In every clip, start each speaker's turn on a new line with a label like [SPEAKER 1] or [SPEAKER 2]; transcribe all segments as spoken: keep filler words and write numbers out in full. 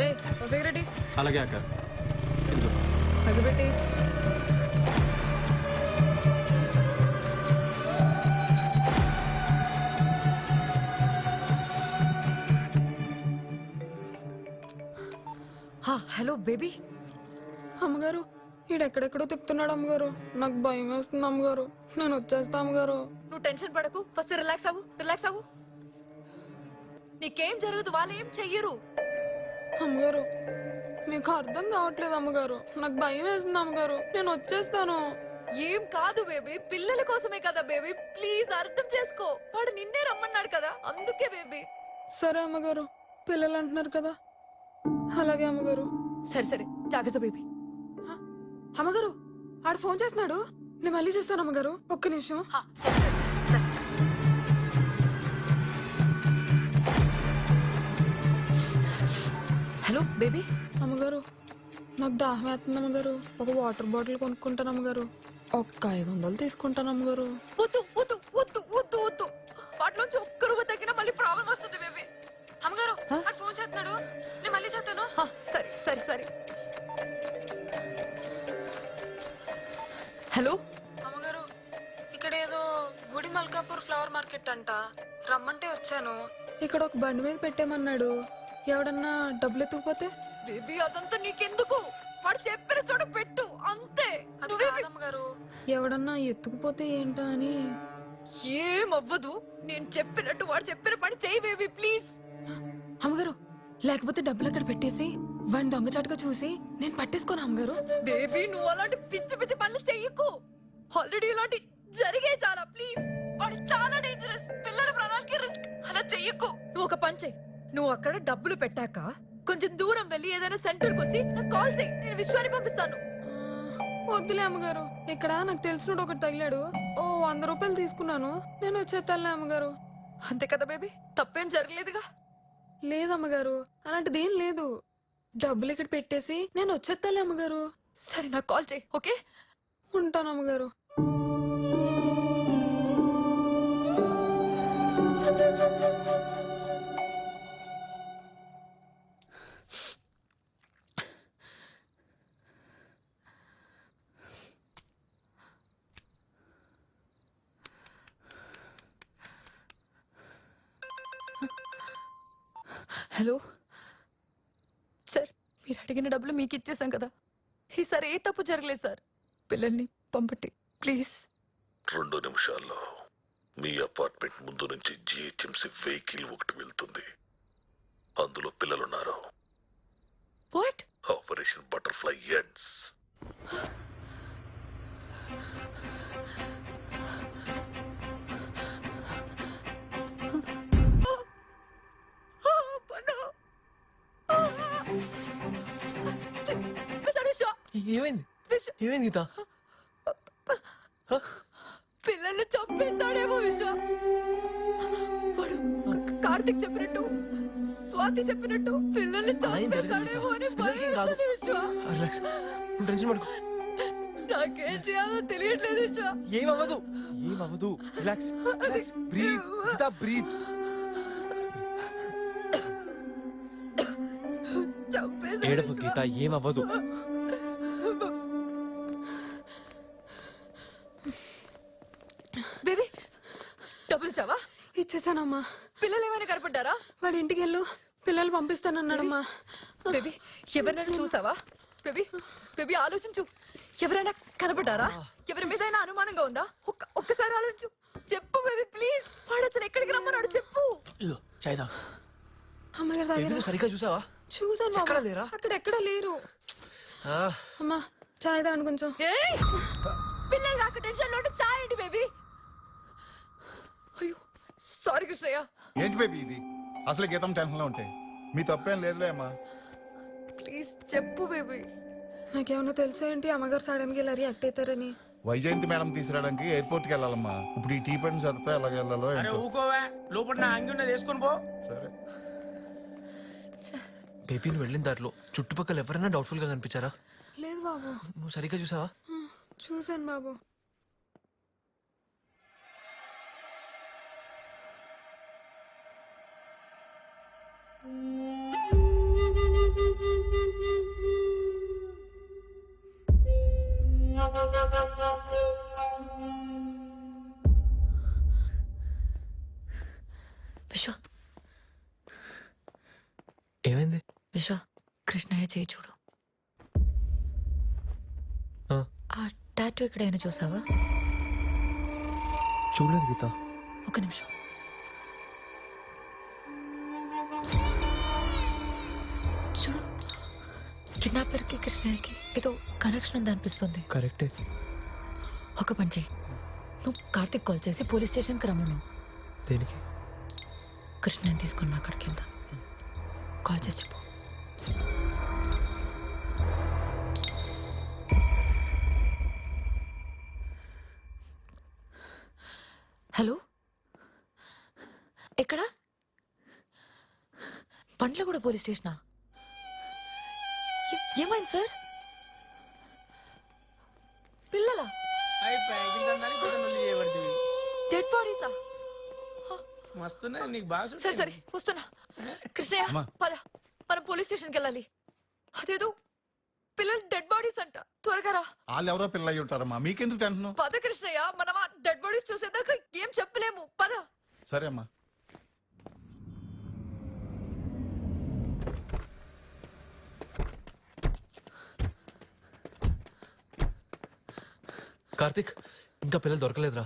[SPEAKER 1] Security
[SPEAKER 2] అలాగే అక్క.
[SPEAKER 1] అగబెట్టి హలో బేబీ. అమ్మగారు ఈడెక్కడెక్కడో తిప్పుతున్నాడు అమ్మగారు. నాకు భయం వేస్తుంది అమ్మగారు. నేను వచ్చేస్తా అమ్మగారు.
[SPEAKER 3] నువ్వు టెన్షన్ పడకు, ఫస్ట్ రిలాక్స్ అవ్వు రిలాక్స్ అవ్వు నీకేం జరగదు, వాళ్ళు ఏం చెయ్యరు.
[SPEAKER 1] అమ్మగారు మీకు అర్థం కావట్లేదు అమ్మగారు. నాకు భయం వేస్తుంది అమ్మగారు. నేను వచ్చేస్తాను.
[SPEAKER 3] ఏం కాదు బేబీ, పిల్లల కోసమే కదా బేబీ, ప్లీజ్ అర్థం చేసుకో. వాడు నిన్నే రమ్మన్నాడు కదా, అందుకే బేబీ.
[SPEAKER 1] సరే అమ్మగారు, పిల్లలు అంటున్నారు కదా. అలాగే అమ్మగారు.
[SPEAKER 3] సరే సరే జాగ్రత్త బేబీ.
[SPEAKER 1] అమ్మగారు ఆడు ఫోన్ చేస్తున్నాడు. నేను మళ్ళీ చేస్తాను అమ్మగారు. ఒక్క నిమిషం.
[SPEAKER 3] Hello baby.
[SPEAKER 1] అమ్మగారు నాకు దాహం వేస్తుంది అమ్మగారు. ఒక వాటర్ బాటిల్ కొనుక్కుంటాను అమ్మగారు. ఒక్క ఐదు వందలు తీసుకుంటాను అమ్మగారు.
[SPEAKER 3] వద్దు వద్దు వద్దు వద్దు వద్దు వాటిలోంచి ఒక్క రూపాయి తగ్గినా మళ్ళీ ప్రాబ్లం వస్తుంది బేబీ.
[SPEAKER 1] అమ్మగారు ఆడు ఫోన్ చేస్తున్నాడు. నేను మళ్ళీ చేస్తాను.
[SPEAKER 3] సరే సరే సరే. హలో
[SPEAKER 1] అమ్మగారు, ఇక్కడ ఏదో గుడి మల్కాపూర్ ఫ్లవర్ మార్కెట్ అంట. రమ్మంటే వచ్చాను. ఇక్కడ ఒక బండి మీద పెట్టేమన్నాడు. ఎవడన్నా డబ్బులు ఎత్తుకుపోతే?
[SPEAKER 3] బేబీ అదంతా నీకెందుకు, వాడు చెప్పిన చోట పెట్టు అంతే.
[SPEAKER 1] అమ్మగారు ఎవడన్నా ఎత్తుకుపోతే ఏంటో అని.
[SPEAKER 3] ఏమవ్వదు, నేను చెప్పినట్టు వాడు చెప్పిన పని చేయి బేబీ ప్లీజ్.
[SPEAKER 1] అమ్మగారు లేకపోతే డబ్బులు అక్కడ పెట్టేసి వాడిని దొంగచాటుగా చూసి నేను పట్టేసుకోను అమ్మగారు.
[SPEAKER 3] బేబీ నువ్వు అలాంటి పిచ్చి పిచ్చి పనులు చెయ్యకు. ఆల్రెడీ ఇలాంటి జరిగే చాలా. ప్లీజ్, వాడు చాలా డేంజరస్. పిల్లల ప్రాణాలకి రిస్క్. అలా చెయ్యకు. నువ్వు ఒక పని చెయ్యి. నువ్వు అక్కడ డబ్బులు పెట్టాక కొంచెం దూరం వెళ్ళి ఏదైనా సెంటర్ కి వచ్చి నాకు కాల్ చేయి. నేను విశ్వాన్ని పంపిస్తాను.
[SPEAKER 1] వద్దులే అమ్మగారు, ఇక్కడ నాకు తెలిసినోడు ఒకటి తగిలాడు. ఓ వంద రూపాయలు తీసుకున్నాను. నేను వచ్చేస్తానులే అమ్మగారు.
[SPEAKER 3] అంతే కదా బేబీ, తప్పేం జరగలేదుగా.
[SPEAKER 1] లేదమ్మగారు, అలాంటిది ఏం లేదు. డబ్బులు ఇక్కడ పెట్టేసి నేను వచ్చేస్తాలే అమ్మగారు.
[SPEAKER 3] సరే నాకు కాల్ చేయి. ఓకే,
[SPEAKER 1] ఉంటాను అమ్మగారు.
[SPEAKER 3] హలో సార్, మీరు అడిగిన డబ్బులు మీకు ఇచ్చేసాం కదా. ఈసారి ఏ తప్పు జరగలేదు సార్. పిల్లల్ని పంపండి ప్లీజ్.
[SPEAKER 4] రెండు నిమిషాల్లో మీ అపార్ట్మెంట్ ముందు నుంచి జిహెచ్ఎంసీ వెహికల్ ఒకటి వెళ్తుంది. అందులో పిల్లలున్నారు.
[SPEAKER 3] వాట్?
[SPEAKER 4] Operation butterfly ends.
[SPEAKER 2] ఏమైంది ఏమైంది గీత?
[SPEAKER 3] పిల్లల్ని చంపేస్తాడేమో విశ్వ. వాడు కార్తిక్ చెప్పినట్టు, స్వాతి చెప్పినట్టు పిల్లల్ని చంపేస్తాడేమో అని భయం విశ్వ.
[SPEAKER 2] టెన్షన్ పడుకో.
[SPEAKER 3] నాకేం చేయాలో తెలియట్లేదు విశ్వ.
[SPEAKER 2] ఏమవ్వదు ఏమవ్వదు. Relax relax. Breathe Geeta, breathe. ఏడవ గీత, ఏమవ్వదు.
[SPEAKER 3] బేబీ డబ్బులు చావా?
[SPEAKER 1] ఇచ్చేసానమ్మా.
[SPEAKER 3] పిల్లలు ఏమైనా కనపడ్డారా?
[SPEAKER 1] వాడి ఇంటికి వెళ్ళు, పిల్లలు పంపిస్తానన్నాడమ్మా.
[SPEAKER 3] బేబీ ఎవరినైనా చూసావా? బేబీ బేబీ ఆలోచించు. ఎవరైనా కనపడ్డారా? ఎవరి మీద అనుమానంగా ఉందా? ఒక్క ఒక్కసారి ఆలోచించు. చెప్పు బేబీ ప్లీజ్. వాడు అసలు ఎక్కడికి రమ్మన్నాడు చెప్పు.
[SPEAKER 1] అమ్మగారు
[SPEAKER 2] సరిగ్గా చూసావా?
[SPEAKER 1] చూసాను.
[SPEAKER 2] ఎక్కడ లేరా?
[SPEAKER 1] అక్కడ ఎక్కడ లేరు. అమ్మా చాయ్ తాగండి కొంచెం.
[SPEAKER 3] పిల్లలు రాక టెన్షన్ లో చాయ్ ఏంటి బేబీ? అయ్యో సారీ కృష్ణయ్య.
[SPEAKER 5] ఏంటి బేబీ ఇది? అసలు గీతం టెన్షన్ లో ఉంటాయి. మీ తప్పేం లేదులే అమ్మా.
[SPEAKER 3] ప్లీజ్ చెప్పు బేబీ.
[SPEAKER 1] నాకేమన్నా తెలుసా ఏంటి అమ్మగారు సడన్ గా ఇలా రియాక్ట్ అవుతారని?
[SPEAKER 5] వైజయంతి మేడం తీసుకురావడానికి ఎయిర్పోర్ట్ కి వెళ్ళాలమ్మా. ఇప్పుడు ఈ టీ పని చదివితే ఎలాగ వెళ్ళాలో
[SPEAKER 6] ఊకోవా. లోపల నా అంగి ఉన్నది వేసుకొని పో.
[SPEAKER 5] సరే
[SPEAKER 2] బేబీ, నువ్వు వెళ్ళిన దారిలో చుట్టుపక్కల ఎవరైనా డౌట్ఫుల్ గా కనిపించారా?
[SPEAKER 1] లేదు బాబు.
[SPEAKER 2] నువ్వు సరిగ్గా చూసావా?
[SPEAKER 1] చూసాను బాబు.
[SPEAKER 3] విశ్వ కృష్ణయ్య చేయి చూడు.
[SPEAKER 2] ఆ,
[SPEAKER 3] ఆ టాటూ ఎక్కడైనా చూసావా?
[SPEAKER 2] చూడలేదు గీత.
[SPEAKER 3] ఒక నిమిషం. చూడు, కిడ్నాపర్ కి కృష్ణయ్యకి ఏదో కనెక్షన్ ఉంది అనిపిస్తుంది.
[SPEAKER 2] కరెక్టే.
[SPEAKER 3] ఒక పని చెయ్యి, నువ్వు కార్తిక్ కాల్ చేసి పోలీస్ స్టేషన్కి రమ్మను.
[SPEAKER 2] దేనికి?
[SPEAKER 3] కృష్ణని తీసుకుని అక్కడికి వెళ్దాం. కాల్ చేసి చెప్పు. హలో, ఎక్కడ? పండ్ల కూడా పోలీస్ స్టేషనా? ఏ- ఏమైంది సార్? పిల్లలా? డెడ్ బాడీసా?
[SPEAKER 6] మస్తున్నాయి నీకు బాగా
[SPEAKER 3] సరే
[SPEAKER 6] సుట్టాయి.
[SPEAKER 3] సరే వస్తున్నా. కృష్ణయ్య
[SPEAKER 5] అమ్మా.
[SPEAKER 3] పద, మనం పోలీస్ స్టేషన్కి వెళ్ళాలి. అదేదో పిల్లలు డెడ్ బాడీస్ అంట. త్వరగా రా.
[SPEAKER 5] వాళ్ళు ఎవరో పిల్ల అయ్యి ఉంటారమ్మా, మీకెందుకు టెన్షన్?
[SPEAKER 3] పద కృష్ణయ్య, మనం ఆ డెడ్ బాడీస్ చూసేదాకా ఏం చెప్పలేము. పద.
[SPEAKER 5] సరే అమ్మా.
[SPEAKER 2] కార్తిక్, ఇంకా పిల్లలు దొరకలేదురా.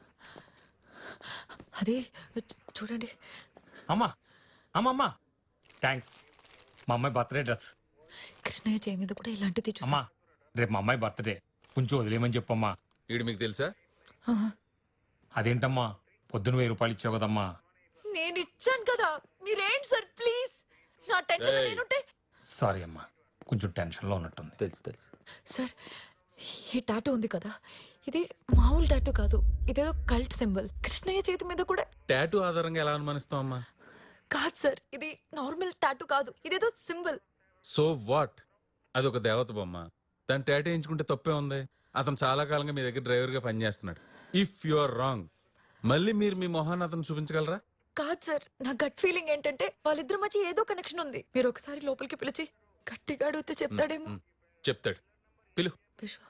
[SPEAKER 3] అదే చూ- చూడండి.
[SPEAKER 7] అమ్మా అమ్మా అమ్మా థ్యాంక్స్. మా అమ్మాయి బర్త్డే డ్రెస్.
[SPEAKER 3] కృష్ణయ్య చేయి మీద కూడా ఇలాంటిది చూసా.
[SPEAKER 7] అమ్మా రేపు మా అమ్మాయి బర్త్డే, కొంచెం వదిలేయమని చెప్పమ్మా.
[SPEAKER 8] ఈడు మీకు తెలుసా?
[SPEAKER 3] ఆహా.
[SPEAKER 7] అదేంటమ్మా పొద్దున వెయ్యి రూపాయలు ఇచ్చావు కదమ్మా.
[SPEAKER 3] నేను ఇచ్చాను కదా, మీరేంటి సార్ ప్లీజ్. నా టెన్షన్
[SPEAKER 8] ఏయ్.
[SPEAKER 3] నేనుంటే.
[SPEAKER 7] సారీ అమ్మా, కొంచెం టెన్షన్ లో ఉన్నట్టుంది.
[SPEAKER 2] తెలుసు తెలుసు.
[SPEAKER 3] సార్, ఈ టాటూ ఉంది కదా, ఇది మామూలు టాటూ కాదు. ఇదేదో కల్ట్ సింబల్. కృష్ణయ్య చేతి మీద కూడా
[SPEAKER 8] టాటూ ఆధారంగా ఎలా అనుమానిస్తాం అమ్మా?
[SPEAKER 3] కాదు సార్, ఇది నార్మల్ టాటూ కాదు. ఇదేదో సింబల్.
[SPEAKER 8] So what? అది ఒక దేవత బొమ్మ. దాన్ని టాటూ వేయించుకుంటే తప్పే ఉంది. అతను చాలా కాలంగా మీ దగ్గర డ్రైవర్ గా పనిచేస్తున్నాడు. ఇఫ్ యు ఆర్ రాంగ్, మళ్ళీ మీరు మీ మొహాన్ని అతను చూపించగలరా?
[SPEAKER 3] కాదు సార్, నా గట్ ఫీలింగ్ ఏంటంటే వాళ్ళిద్దరి మధ్య ఏదో కనెక్షన్ ఉంది. మీరు ఒకసారి లోపలికి పిలిచి గట్టిగా అడిగితే చెప్తాడేమో.
[SPEAKER 8] మ్, చెప్తాడు. పిలు.
[SPEAKER 3] విశ్వ,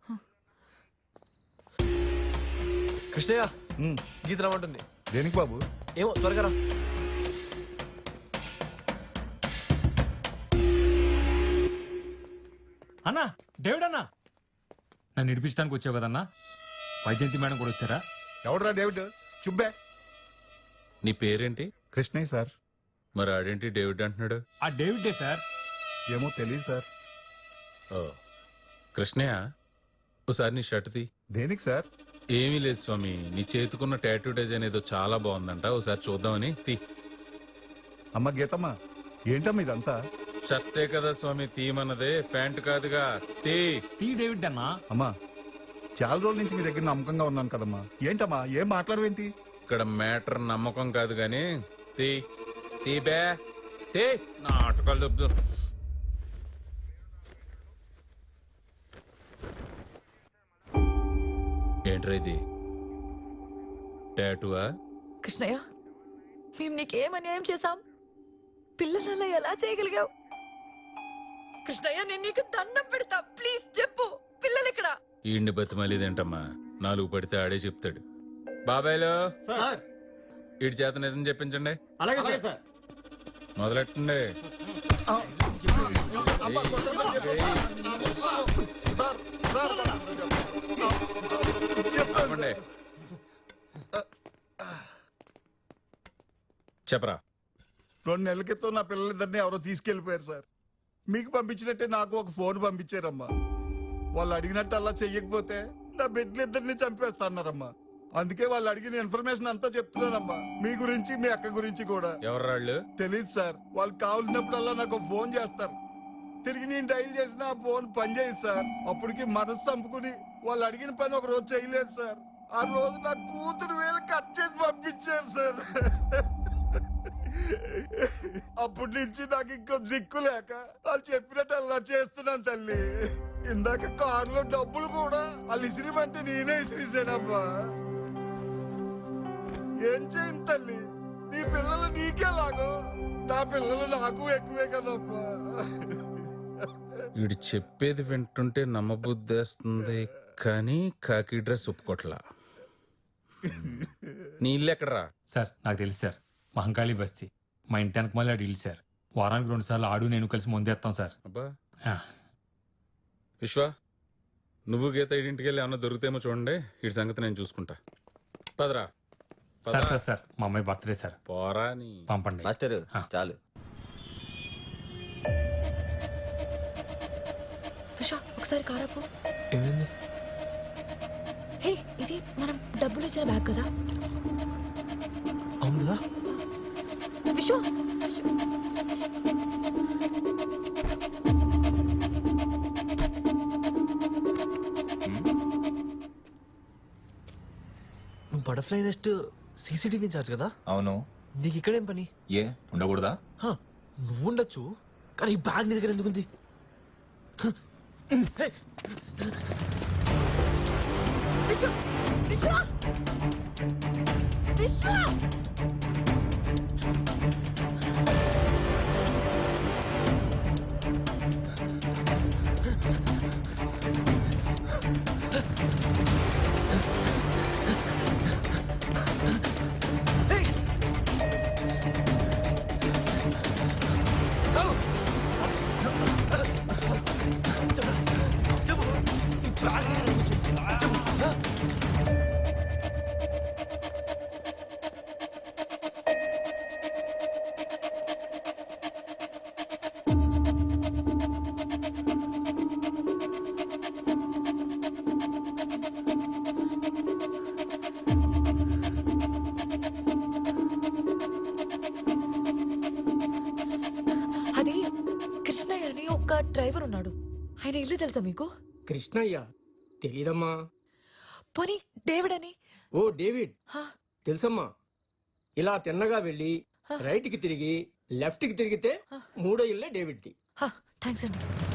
[SPEAKER 2] కృష్ణయ్య,
[SPEAKER 5] ఉమ్,
[SPEAKER 2] గీత రమ్మంటుంది.
[SPEAKER 5] దేనికి బాబు?
[SPEAKER 2] ఏమో, త్వరగా రా.
[SPEAKER 7] అన్నా, డేవిడ్ అన్నా, నన్ను ఇడిపించడానికి వచ్చావు కదన్నా. వైజయంతి మేడం కూడా వచ్చారా?
[SPEAKER 5] ఎవడరా డేవిడ్? చుబ్బే.
[SPEAKER 8] నీ పేరేంటి?
[SPEAKER 5] కృష్ణయ్య సార్.
[SPEAKER 8] మరి ఆడేంటి డేవిడ్ అంటున్నాడు?
[SPEAKER 7] ఆ డేవిడ్డే సార్.
[SPEAKER 5] ఏమో తెలియదు సార్.
[SPEAKER 8] ఓ కృష్ణయ్య, ఒకసారి నీ షర్ట్ తీ.
[SPEAKER 5] దేనికి సార్?
[SPEAKER 8] ఏమీ లేదు స్వామి, నీ చేతుకున్న టాటూ డిజైన్ ఏదో చాలా బాగుందంట, ఒకసారి చూద్దామని. తీ.
[SPEAKER 5] అమ్మ గీతమ్మ, ఏంటమ్మా ఇదంతా?
[SPEAKER 8] షర్టే కదా స్వామి తీయమన్నదే, ప్యాంట్ కాదుగా. తీ.
[SPEAKER 7] టీ డేవిడ్ అన్నా.
[SPEAKER 5] అమ్మా, చాలా రోజుల నుంచి మీ దగ్గర నమ్మకంగా ఉన్నాను కదమ్మా. ఏంటమ్మా ఏం మాట్లాడవేంటి?
[SPEAKER 8] ఇక్కడ మ్యాటర్ నమ్మకం కాదు గాని తీ. తీ బే. తీ. నాటకాలు దొబ్బు. ఏంట్రా ఇది? టాటూవా?
[SPEAKER 3] కృష్ణయ్య, మేము నీకేం అన్యాయం చేశాం? పిల్లలలో ఎలా చేయగలిగావు? కృష్ణయ్య, నేను నీకు దండం పెడతా, ప్లీజ్ చెప్పు. పిల్లలు ఇక్కడ?
[SPEAKER 8] ఈయన్ని బతిమాలేదేంటమ్మా, నాలుగు పడితే ఆడే చెప్తాడు. బాబాయ్లో ఈడి చేత నిజం చెప్పించండి.
[SPEAKER 6] అలాగే సార్.
[SPEAKER 8] మొదలెట్టండి.
[SPEAKER 5] ఆ, అమ్మా, కొట్టొద్దని చెప్పు. సార్, సార్, చెప్తాను
[SPEAKER 8] ఆపండి.
[SPEAKER 5] సార్.
[SPEAKER 8] చెప్పరా.
[SPEAKER 5] రెండు నెలల క్రితం నా పిల్లలిద్దరిని ఎవరో తీసుకెళ్లిపోయారు సార్. మీకు పంపించినట్టే నాకు ఒక ఫోన్ పంపించారమ్మా. వాళ్ళు అడిగినట్టు అలా చెయ్యకపోతే నా బిడ్డలిద్దరిని చంపేస్తాన్నారమ్మా. అందుకే వాళ్ళు అడిగిన ఇన్ఫర్మేషన్ అంతా చెప్తున్నానమ్మా, మీ గురించి మీ అక్క గురించి కూడా.
[SPEAKER 8] ఎవర్రాళ్ళు?
[SPEAKER 5] తెలియదు సార్. వాళ్ళు కావాల్సినప్పుడల్లా నాకు ఒక ఫోన్ చేస్తారు. తిరిగి నేను డైల్ చేసిన ఆ ఫోన్ పనిచేయదు సార్. అప్పటికి మనసు చంపుకుని వాళ్ళు అడిగిన పని ఒక రోజు చేయలేదు సార్. ఆ రోజు నా కూతురు వేలు కట్ చేసి పంపించారు సార్. అప్పటి నుంచి నాకు ఇంకో దిక్కు లేక వాళ్ళు చెప్పినట్టు అలా చేస్తున్నాను తల్లి. ఇందాక కారులో డబ్బులు కూడా వాళ్ళు ఇసిరిమంటే నేనే ఇసిరిసానమ్మా. ఏం చేయను తల్లి, నీ పిల్లలు నీకేలాగో నా పిల్లలు నాకు ఎక్కువే కదమ్మా.
[SPEAKER 8] వీడు చెప్పేది వింటుంటే నమ్మబుద్ధేస్తుంది, కానీ కాకి డ్రెస్ ఒప్పుకోట్లా. నీ ఇల్లు ఎక్కడరా?
[SPEAKER 7] సార్ నాకు తెలుసు సార్, మహంకాళి బస్తీ. మా ఇంటి వెనక మళ్ళీ ఇల్లు సార్. వారానికి రెండు సార్లు ఆడు నేను కలిసి ముందేస్తాం సార్.
[SPEAKER 8] అబ్బా
[SPEAKER 7] ఆ,
[SPEAKER 8] విశ్వ, నువ్వు గీత ఇంటికి వెళ్ళి ఏమన్నా దొరికితేమో చూడండి. ఈ సంగతి నేను చూసుకుంటా. పదరా
[SPEAKER 7] సార్
[SPEAKER 8] పదరా.
[SPEAKER 7] సార్ సార్ మా అమ్మాయి బర్త్డే సార్,
[SPEAKER 8] పోరా నీ
[SPEAKER 7] పంపండి.
[SPEAKER 2] మాస్టర్
[SPEAKER 7] ఆ.
[SPEAKER 2] చాలు.
[SPEAKER 3] ఉషా ఒకసారి కారాపు.
[SPEAKER 2] ఏమైంది?
[SPEAKER 3] హే ఇది మనం డబ్బులు ఇచ్చిన బ్యాగ్ కదా.
[SPEAKER 2] అవును కదా.
[SPEAKER 3] విషు
[SPEAKER 2] నువ్వు బటర్ఫ్లై నెస్ట్ సీసీటీవీ ఇన్ఛార్జ్ కదా.
[SPEAKER 9] అవును.
[SPEAKER 2] నీకు ఇక్కడేం పని?
[SPEAKER 9] ఏ ఉండకూడదా?
[SPEAKER 2] హ, నువ్వు ఉండొచ్చు, కానీ ఈ బ్యాగ్ నీ దగ్గర ఎందుకుంది? హ, హే,
[SPEAKER 3] విషు విషు విషు
[SPEAKER 2] హే. చాలు. చెప్పు, చెప్పు. ఈ బ్యాగ్ నీ దగ్గర ఎందుకు? చెప్పు. హ?
[SPEAKER 3] అది కృష్ణయ్య అని ఒక డ్రైవర్ ఉన్నాడు. ఆయన ఇల్లు తెలుసా మీకు?
[SPEAKER 6] కృష్ణయ్య తెలీదమ్మా.
[SPEAKER 3] పోనీ డేవిడ్ అని.
[SPEAKER 6] ఓ డేవిడ్
[SPEAKER 3] హా,
[SPEAKER 6] తెలుసమ్మా. ఇలా తిన్నగా వెళ్ళి
[SPEAKER 3] హ.
[SPEAKER 6] రైట్ కి తిరిగి లెఫ్ట్ కి తిరిగితే
[SPEAKER 3] హ.
[SPEAKER 6] మూడో ఇల్లే డేవిడ్ ది.
[SPEAKER 3] హా, థాంక్స్ అండి.